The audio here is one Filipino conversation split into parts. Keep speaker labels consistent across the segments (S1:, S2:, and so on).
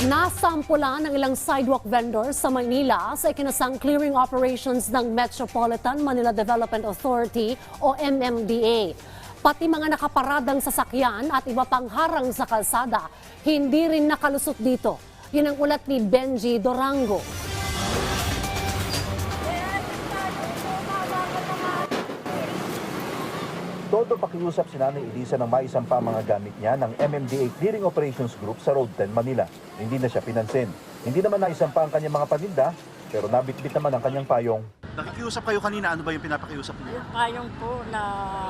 S1: Nasampulan ng ilang sidewalk vendors sa Maynila sa ikinasang clearing operations ng Metropolitan Manila Development Authority o MMDA. Pati mga nakaparadang sasakyan at iba pang harang sa kalsada, hindi rin nakalusot dito. Yun ang ulat ni Benji Dorango.
S2: Todo pakiusap si Nanay Elisa nang maisampa ang mga gamit niya ng MMDA Clearing Operations Group sa Road 10, Manila. Hindi na siya pinansin. Hindi naman naisampa ang kanyang mga paninda, pero nabitbit naman ang kanyang payong.
S3: Nakikiusap kayo kanina, ano ba yung pinapakiusap niyo?
S4: Yung payong po na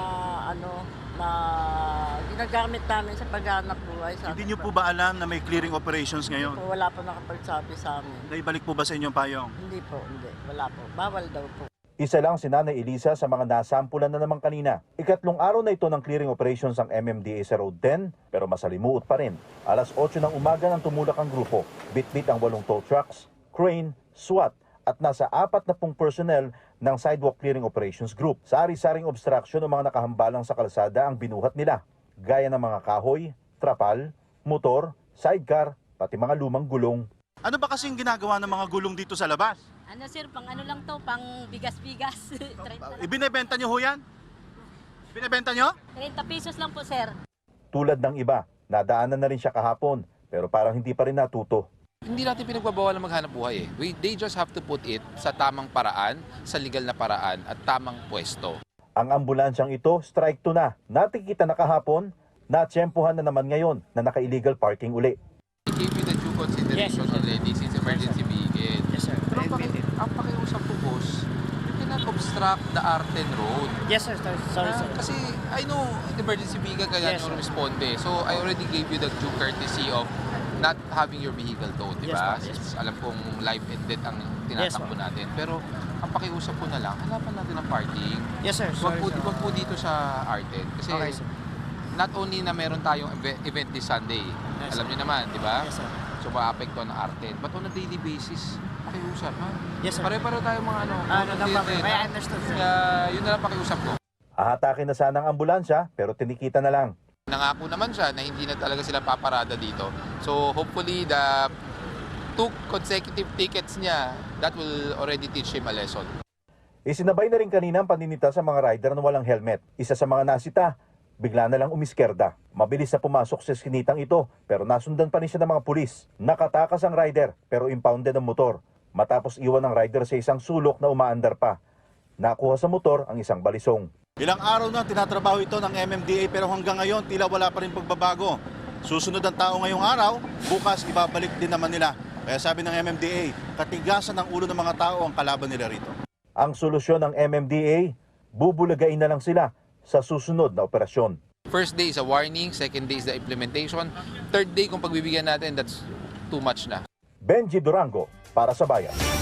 S4: ginagamit namin sa paghanap buhay.
S3: Hindi niyo po ba alam na may clearing operations ngayon?
S4: Po, wala po nakapagsabi sa amin.
S3: Naibalik po ba sa inyong payong?
S4: Hindi po, hindi. Wala po. Bawal daw po.
S2: Isa lang si Nanay Elisa sa mga nasampulan na naman kanina. Ikatlong araw na ito ng clearing operations ng MMDA sa Road 10, pero masalimuot pa rin. Alas 8 ng umaga nang tumulak ang grupo. Bitbit ang 8 tow trucks, crane, SWAT, at nasa 40 personnel ng Sidewalk Clearing Operations Group. Sa ari-saring obstruction ng mga nakahambalang sa kalsada ang binuhat nila, gaya ng mga kahoy, trapal, motor, sidecar, pati mga lumang gulong.
S3: Ano ba kasing ginagawa ng mga gulong dito sa labas?
S5: Ano sir, pang ano lang to, pang bigas-bigas. 30
S3: Ibinebenta niyo ho yan? Binebenta niyo?
S5: pesos lang po sir.
S2: Tulad ng iba, nadaanan na rin siya kahapon, pero parang hindi pa rin natuto.
S6: Hindi natin pinagbabawal na maghanap buhay They just have to put it sa tamang paraan, sa legal na paraan at tamang pwesto.
S2: Ang ambulansyang ito, strike 2 na. Natikita na kahapon, natsyempohan na naman ngayon na naka-illegal parking uli.
S6: We gave you the due consideration already since emergency vehicle.
S7: Yes, sir.
S6: Pero ang pakiusap po, boss, you cannot obstruct the Arten Road.
S7: Yes, sir. Sorry, sir.
S6: Kasi I know emergency vehicle kaya
S7: Yes,
S6: nyo
S7: sir.
S6: responde. So I already gave you the due courtesy of not having your vehicle towed, di ba?
S7: Yes, ma'am. Yes,
S6: Alam kong life and death ang tinatakbo natin. Pero ang pakiusap po na lang, hanapan natin ang parking.
S7: Yes, sir.
S6: Wag
S7: Sorry, sir.
S6: po dito sa Arten. Kasi
S7: Okay, sir.
S6: not only na meron tayong event this Sunday,
S7: Yes,
S6: alam
S7: sir.
S6: niyo naman, di ba?
S7: Yes, sir.
S6: So maapektuhan ng Arten. But on a daily basis, pakiusap, ha?
S7: Yes, sir.
S6: Pare-pare tayong mga
S7: No problem. I understood, sir.
S6: Kaya yun na lang pakiusap ko.
S2: Ahatakin na sana ang ambulansya, pero tinikita na lang.
S6: Nangako naman siya na hindi na talaga sila paparada dito. So hopefully the 2 consecutive tickets niya, that will already teach him a lesson.
S2: Isinabay na rin kanina ang paninita sa mga rider na walang helmet. Isa sa mga nasita, bigla na lang umiskerda. Mabilis na pumasok sa skinitang ito, pero nasundan pa rin siya ng mga pulis. Nakatakas ang rider, pero impounded ang motor. Matapos iwan ng rider sa isang sulok na umaandar pa. Nakuha sa motor ang isang balisong.
S3: Ilang araw na tinatrabaho ito ng MMDA pero hanggang ngayon tila wala pa rin pagbabago. Susunod ang tao ngayong araw, bukas ibabalik din naman nila. Kaya sabi ng MMDA, katigasan ng ulo ng mga tao ang kalaban nila rito.
S2: Ang solusyon ng MMDA, bubulagain na lang sila sa susunod na operasyon.
S6: First day is a warning, second day is the implementation, third day kung pagbibigyan natin, that's too much na.
S2: Benji Durango, para sa Bayan.